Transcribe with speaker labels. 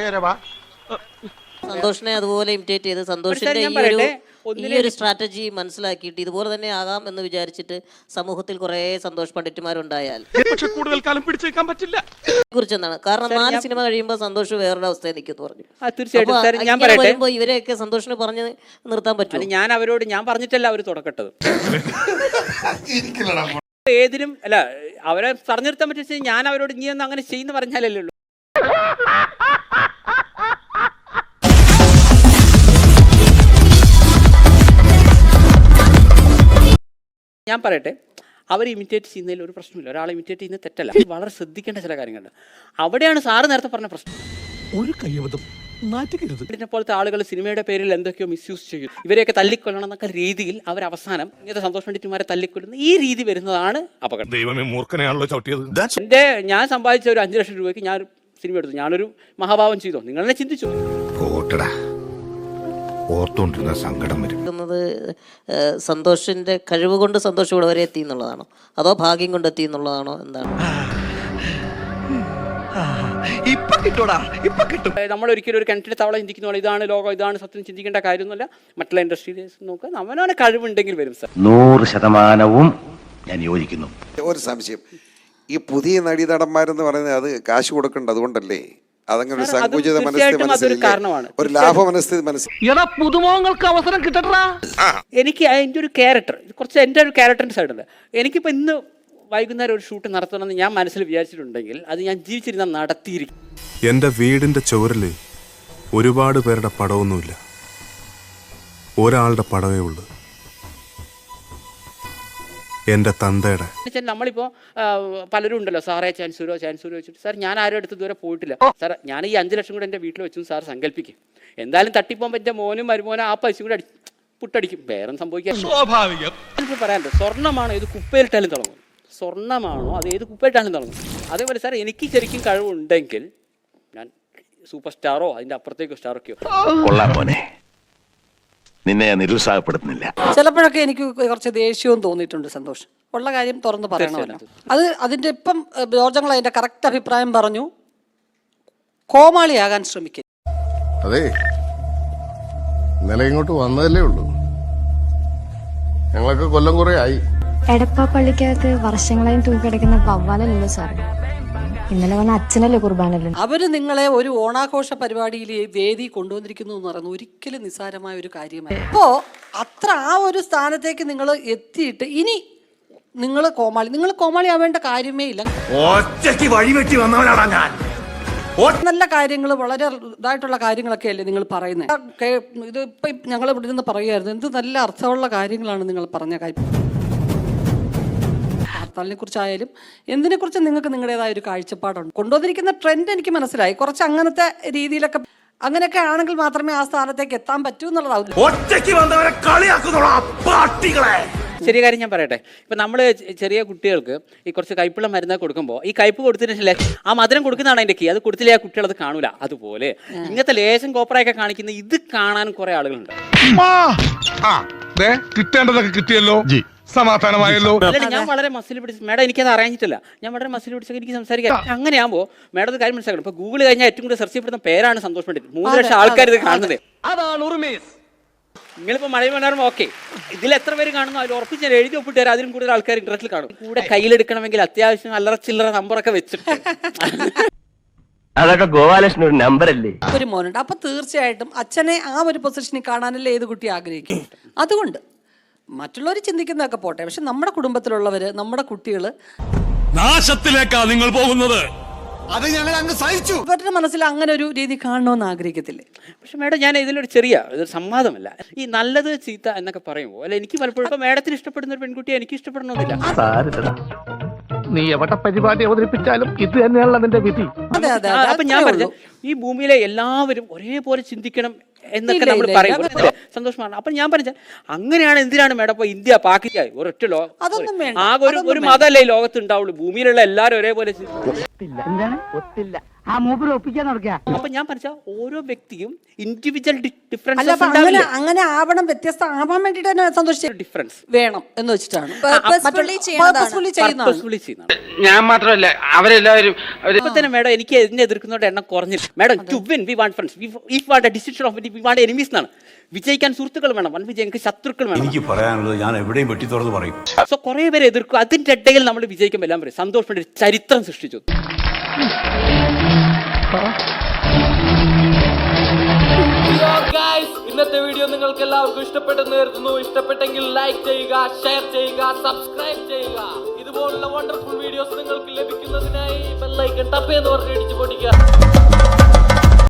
Speaker 1: സന്തോഷിനെ അതുപോലെ ഇമിറ്റേറ്റ് ചെയ്ത് സന്തോഷിന്റെ ഈ ഒരു സ്ട്രാറ്റജി മനസ്സിലാക്കിയിട്ട് ഇതുപോലെ തന്നെ ആകാം എന്ന് വിചാരിച്ചിട്ട് സമൂഹത്തിൽ കുറെ സന്തോഷ് പണ്ഡിറ്റുമാരുണ്ടായാൽ
Speaker 2: കൂടുതൽ കാലം പിടിച്ചേക്കാൻ പറ്റില്ല
Speaker 1: കുറിച്ച് എന്താണ് കാരണം 4 സിനിമ കഴിയുമ്പോൾ സന്തോഷ് വേറൊരു അവസ്ഥയിൽ നിൽക്കുന്നു പറഞ്ഞു.
Speaker 3: തീർച്ചയായിട്ടും ഞാൻ പറയട്ടെ,
Speaker 1: വരുമ്പോ ഇവരെയൊക്കെ സന്തോഷിനെ പറഞ്ഞ് നിർത്താൻ പറ്റും.
Speaker 3: ഞാൻ അവരോട് ഞാൻ പറഞ്ഞിട്ടല്ല അവർ തുടക്കട്ടത്. ഏതിനും അല്ല അവരെ പറഞ്ഞു നിർത്താൻ പറ്റിയ ഞാൻ അവരോട് നീ ഒന്ന് അങ്ങനെ ചെയ്യുന്ന പറഞ്ഞാലല്ലേ ഉള്ളൂ. ഞാൻ പറയട്ടെ, അവർ ഇമിറ്റേറ്റ് ചെയ്യുന്നതിൽ ഒരു പ്രശ്നമില്ല. ഒരാളെ ഇമിറ്റേറ്റ് ചെയ്യുന്നത് തെറ്റല്ല. വളരെ ശ്രദ്ധിക്കേണ്ട ചില കാര്യങ്ങളുണ്ട്. അവിടെയാണ് സാറ് നേരത്തെ പറഞ്ഞ പ്രശ്നം.
Speaker 2: ഒരു കയ്യബദ്ധം
Speaker 3: ഇതിനെ പോലത്തെ ആളുകൾ സിനിമയുടെ പേരിൽ എന്തൊക്കെയോ മിസ്യൂസ് ചെയ്യും. ഇവരെയൊക്കെ തല്ലിക്കൊല്ലണം എന്നൊക്കെ രീതിയിൽ അവർ അവസാനം ഇങ്ങനത്തെ സന്തോഷ് പണ്ഡിറ്റുമാരെ തല്ലിക്കൊല്ലുന്ന ഈ രീതി വരുന്നതാണ് അപകടം.
Speaker 2: ദൈവമേ മൂർഖനെയാണല്ലോ ചവിട്ടിയത്.
Speaker 3: ഞാൻ സമ്പാദിച്ച ഒരു 5 ലക്ഷം രൂപയ്ക്ക് ഞാൻ സിനിമ എടുത്തു. ഞാനൊരു മഹാഭാവം ചെയ്തോ? നിങ്ങൾ തന്നെ ചിന്തിച്ചു.
Speaker 4: ഓർത്തോണ്ടിരുന്ന സങ്കടം വരും.
Speaker 1: സന്തോഷിന്റെ കഴിവ് കൊണ്ട് സന്തോഷം ഇവിടെ വരെ എത്തി എന്നുള്ളതാണോ അതോ ഭാഗ്യം കൊണ്ട് എത്തി എന്നുള്ളതാണോ എന്താണ്?
Speaker 3: നമ്മൾ ഒരിക്കലും ഒരു കിണറ്റിലെ തവള ചിന്തിക്കുന്ന പോലെ ഇതാണ് ലോകം, ഇതാണ് സത്യം ചിന്തിക്കേണ്ട കാര്യമൊന്നുമില്ല. മറ്റുള്ള ഇൻഡസ്ട്രിയിൽ നോക്കുക, അവനവനെ കഴിവുണ്ടെങ്കിൽ വരും സാർ.
Speaker 4: 100% ഞാൻ യോജിക്കുന്നു.
Speaker 5: ഒരു സംശയം, ഈ പുതിയ നടീനടന്മാരെന്ന് പറയുന്നത് അത് കാശ് കൊടുക്കേണ്ടത് അതുകൊണ്ടല്ലേ? അതങ്ങനെ ഒരു സങ്കുചിത മനസ്ഥിതി, ഒരു ലാഭ മനസ്ഥിതി
Speaker 2: പുതുമുഖങ്ങൾക്ക് അവസരം കിട്ടട്ടാ.
Speaker 3: എനിക്ക് അതിൻ്റെ ഒരു ക്യാരക്ടർ, കുറച്ച് എൻ്റെ ഒരു ക്യാരക്ടറിൻ്റെ സൈഡുണ്ട്. എനിക്കിപ്പോൾ ഇന്ന് വൈകുന്നേരം ഒരു ഷൂട്ട് നടത്തണമെന്ന് ഞാൻ മനസ്സിൽ വിചാരിച്ചിട്ടുണ്ടെങ്കിൽ അത് ഞാൻ ജീവിച്ചിരുന്ന നടത്തിയിരിക്കും.
Speaker 6: എൻ്റെ വീടിൻ്റെ ചുവരിൽ ഒരുപാട് പേരുടെ പടമൊന്നുമില്ല, ഒരാളുടെ പടവേ ഉള്ളൂ, എൻ്റെ തന്തയുടെ.
Speaker 3: നമ്മളിപ്പോൾ പലരും ഉണ്ടല്ലോ, സാറേ ചാൻസൂരോ വെച്ചിട്ട് സാർ ഞാൻ ആരും അടുത്ത് ഇതുവരെ പോയിട്ടില്ല സാർ, ഞാൻ ഈ 5 ലക്ഷം കൂടെ എൻ്റെ വീട്ടിൽ വെച്ചു സാർ സങ്കല്പിക്കും. എന്തായാലും തട്ടിപ്പോകാൻ പറ്റിയ മോനും മരുമോനും ആ പൈസ കൂടെ പുട്ടടിക്കും, വേറെ സംഭവിക്കാൻ
Speaker 2: സ്വാഭാവികം.
Speaker 3: എനിക്ക് പറയാനുണ്ട്, സ്വർണ്ണമാണോ ഇത് കുപ്പയിലിട്ടാലും തുടങ്ങും, സ്വർണ്ണമാണോ അത് ഏത് കുപ്പയിലിട്ടാലും തുടങ്ങും. അതേപോലെ സാർ എനിക്ക് ശരിക്കും കഴിവുണ്ടെങ്കിൽ ഞാൻ സൂപ്പർ സ്റ്റാറോ അതിൻ്റെ അപ്പുറത്തേക്കോ സ്റ്റാറൊക്കെയോ.
Speaker 4: കൊള്ളാം മോനെ, നിന്നെ ഞാൻ നിരുത്സാഹപ്പെടുത്തുന്നില്ല.
Speaker 7: ചിലപ്പോഴൊക്കെ എനിക്ക് കുറച്ച് ദേഷ്യവും തോന്നിയിട്ടുണ്ട് സന്തോഷ്. ഉള്ള കാര്യം തുറന്ന് പറയണമല്ലോ. അതിൻ്റെ ഇപ്പം ജോർജങ്ങൾ അതിൻ്റെ കറക്റ്റ് അഭിപ്രായം പറഞ്ഞു, കോമാളിയാകാൻ ശ്രമിക്കും.
Speaker 8: അതെ, ഇന്നലെ ഇങ്ങോട്ട് വന്നതല്ലേ ഉള്ളൂ, ഞങ്ങളൊക്കെ കൊല്ലം കുറെ ആയി.
Speaker 9: എടപ്പാപ്പള്ളിക്കകത്ത് വർഷങ്ങളായും തൂക്കിടക്കുന്ന വവ്വാലല്ലോ സാറേ, ഇന്നലെ വന്ന അച്ഛനല്ലേ കുർബാനല്ലോ.
Speaker 7: അവര് നിങ്ങളെ ഒരു ഓണാഘോഷ പരിപാടിയിൽ വേദി കൊണ്ടുവന്നിരിക്കുന്നു എന്ന് പറയുന്നത് ഒരിക്കലും നിസ്സാരമായ ഒരു കാര്യമല്ല. അപ്പോ അത്ര ആ ഒരു സ്ഥാനത്തേക്ക് നിങ്ങൾ എത്തിയിട്ട് ഇനി നിങ്ങൾ കോമാളി ആവേണ്ട കാര്യമേ ഇല്ല. നല്ല കാര്യങ്ങൾ, വളരെ ഇതായിട്ടുള്ള കാര്യങ്ങളൊക്കെ അല്ലേ നിങ്ങൾ പറയുന്നത്. ഇത് ഇപ്പൊ ഞങ്ങൾ ഇവിടെ നിന്ന് പറയുമായിരുന്നു, എന്ത് നല്ല അർത്ഥമുള്ള കാര്യങ്ങളാണ് നിങ്ങൾ പറഞ്ഞ കാര്യം. ഹർത്താലിനെ കുറിച്ചായാലും എന്തിനെക്കുറിച്ച് നിങ്ങൾക്ക് നിങ്ങളുടേതായ ഒരു കാഴ്ചപ്പാടുണ്ട്. കൊണ്ടുവന്നിരിക്കുന്ന ട്രെൻഡ് എനിക്ക് മനസ്സിലായി. കുറച്ച് അങ്ങനത്തെ രീതിയിലൊക്കെ അങ്ങനെയൊക്കെ ആണെങ്കിൽ മാത്രമേ ആ സ്ഥാനത്തേക്ക് എത്താൻ പറ്റൂ എന്നുള്ളതാവും.
Speaker 3: ചെറിയ കാര്യം ഞാൻ പറയട്ടെ, ഇപ്പം നമ്മൾ ചെറിയ കുട്ടികൾക്ക് ഈ കുറച്ച് കയ്പുള്ള മരുന്ന് കൊടുക്കുമ്പോൾ ഈ കയ്പ് കൊടുത്തിട്ടില്ലേ ആ മധുരം കൊടുക്കുന്നതാണ് അതിൻ്റെ കീ. അത് കൊടുത്തില്ലേ ആ കുട്ടികൾ അത് കാണൂല. അതുപോലെ ഇങ്ങനത്തെ ലേശം കോപ്പറയൊക്കെ കാണിക്കുന്ന ഇത് കാണാൻ കുറെ ആളുകളുണ്ട്.
Speaker 2: കിട്ടേണ്ടതൊക്കെ കിട്ടിയല്ലോ, സമാധാനമായല്ലോ.
Speaker 3: ഞാൻ വളരെ മസിൽ പിടിച്ച് മേഡം, എനിക്കത് അറിയാഞ്ഞിട്ടില്ല, ഞാൻ വളരെ മസിൽ പിടിച്ചൊക്കെ എനിക്ക് സംസാരിക്കാം. അങ്ങനെയാകുമ്പോൾ മേഡം ഒരു കാര്യം മനസ്സിലാക്കണം, ഇപ്പൊ ഗൂഗിൾ കഴിഞ്ഞാൽ ഏറ്റവും കൂടുതൽ സെർച്ച് ചെയ്യപ്പെടുന്ന പേരാണ് സന്തോഷ് പണ്ഡിറ്റ്. 3 ലക്ഷം ആൾക്കാർ ഇത് കാണുന്നത്. നിങ്ങളിപ്പോൾ മഴ മനോരമ ഓക്കെ, ഇതിൽ എത്ര പേര് കാണുന്നു അതിൽ ഉറപ്പിച്ച് ഞാൻ എഴുതി ഒപ്പിട്ട് തരാം, അതിലും കൂടുതൽ ആൾക്കാർ ഇന്റർനെറ്റിൽ കാണും. കൂടെ കയ്യിലെടുക്കണമെങ്കിൽ അത്യാവശ്യം അല്ലറ ചില്ലറ നമ്പറൊക്കെ വെച്ചിട്ട്
Speaker 4: അതൊക്കെ ഗോപാലകൃഷ്ണൻ ഒരു നമ്പറല്ലേ.
Speaker 7: ഒരു മോനുണ്ട്, അപ്പൊ തീർച്ചയായിട്ടും അച്ഛനെ ആ ഒരു പൊസിഷനിൽ കാണാനല്ലേ ഏത് കുട്ടി ആഗ്രഹിക്കും. അതുകൊണ്ട് മറ്റുള്ളവർ ചിന്തിക്കുന്നതൊക്കെ പോട്ടെ, പക്ഷെ നമ്മുടെ കുടുംബത്തിലുള്ളവര്, നമ്മുടെ കുട്ടികള്
Speaker 2: നാശത്തിലേക്കാ നിങ്ങൾ പോകുന്നത്. അത് ഞങ്ങൾ അങ്ങ് സഹിച്ചു.
Speaker 7: ഇവരുടെ മനസ്സിൽ അങ്ങനെ ഒരു രീതി കാണണമെന്ന് ആഗ്രഹിക്കത്തില്ലേ?
Speaker 3: പക്ഷെ മേഡം, ഞാൻ ഇതിലൊരു ചെറിയ സംവാദമല്ല, ഈ നല്ലത് ചീത്ത എന്നൊക്കെ പറയുമ്പോൾ അല്ല, എനിക്ക് പലപ്പോഴും ഇപ്പൊ മേഡത്തിന് ഇഷ്ടപ്പെടുന്ന ഒരു പെൺകുട്ടിയെ എനിക്ക് ഇഷ്ടപ്പെടണമെന്നില്ല.
Speaker 2: നീ എവിടെ പരിപാടി അവതരിപ്പിച്ചാലും ഇത് തന്നെയാണല്ലോ നിന്റെ വിധി.
Speaker 3: അപ്പൊ ഞാൻ പറഞ്ഞു, ഈ ഭൂമിയിലെ എല്ലാവരും ഒരേപോലെ ചിന്തിക്കണം എന്നൊക്കെ നമ്മൾ പറയും. സന്തോഷമാണ്. അപ്പൊ ഞാൻ പറഞ്ഞ അങ്ങനെയാണ്, എന്തിനാണ് മേഡം ഇപ്പൊ ഇന്ത്യ പാകിസ്ഥാൻ ഒരൊറ്റ ആകെ ഒരു മതമല്ലേ ഈ ലോകത്ത് ഉണ്ടാവുള്ളൂ. ഭൂമിയിലുള്ള എല്ലാവരും ഒരേപോലെ
Speaker 1: ഒത്തില്ല.
Speaker 10: ആ മൂപ്പര് ഒപ്പിക്കാൻ നടക്കുക.
Speaker 3: അപ്പൊ ഞാൻ പറഞ്ഞ ഓരോ വ്യക്തിയും ഇൻഡിവിജ്വൽ
Speaker 7: അല്ല
Speaker 3: ഡിഫറൻസ്
Speaker 7: അപ്പൊ അങ്ങനെ ആവണം, വ്യത്യസ്ത ആവാൻ വേണ്ടിട്ട് തന്നെ സന്തോഷിച്ച്
Speaker 3: ഡിഫറൻസ്
Speaker 7: വേണം എന്ന് വെച്ചിട്ടാണ്
Speaker 11: Purposefully ചെയ്യുന്നതാണ്.
Speaker 7: Purposefully ചെയ്യുന്നതാണ്.
Speaker 3: Purposefully ചെയ്യുന്നതാണ്.
Speaker 10: ഞാൻ മാത്രമല്ല അവരെല്ലാവരും
Speaker 3: ഇപ്പൊ തന്നെ മേഡം എനിക്ക് എന്നെ എതിർക്കുന്നവരുടെ എണ്ണം കുറഞ്ഞില്ല. Madam to win we want friends, if want a decision of we want enemies എന്നാണ്. വിജയിക്കാൻ സുഹൃത്തുക്കൾ വേണം, വൻ വിജയിക്ക് ശത്രുക്കൾ വേണം.
Speaker 2: എനിക്ക് പറയാനുള്ളത് ഞാൻ എവിടെയും വെട്ടി തുറന്ന് പറയും.
Speaker 3: സോ കുറെ പേരെ എതിർക്കും, അതിന്റെ ഇടയിൽ നമ്മൾ വിജയിക്കുമ്പോൾ എല്ലാം പറയും സന്തോഷ് ഒരു ചരിത്രം സൃഷ്ടിച്ചു.
Speaker 12: ഇന്നത്തെ വീഡിയോ നിങ്ങൾക്ക് എല്ലാവർക്കും ഇഷ്ടപ്പെട്ടെന്ന് കരുതുന്നു. ഇഷ്ടപ്പെട്ടെങ്കിൽ ലൈക്ക് ചെയ്യുക, ഷെയർ ചെയ്യുക, സബ്സ്ക്രൈബ് ചെയ്യുക. ഇതുപോലുള്ള വണ്ടർഫുൾ വീഡിയോസ് നിങ്ങൾക്ക് ലഭിക്കുന്നതിനായി ബെൽ ഐക്കൺ ടപ്പ് എന്ന് പറഞ്ഞ് ഇടിച്ചു പൊടിക്കുക.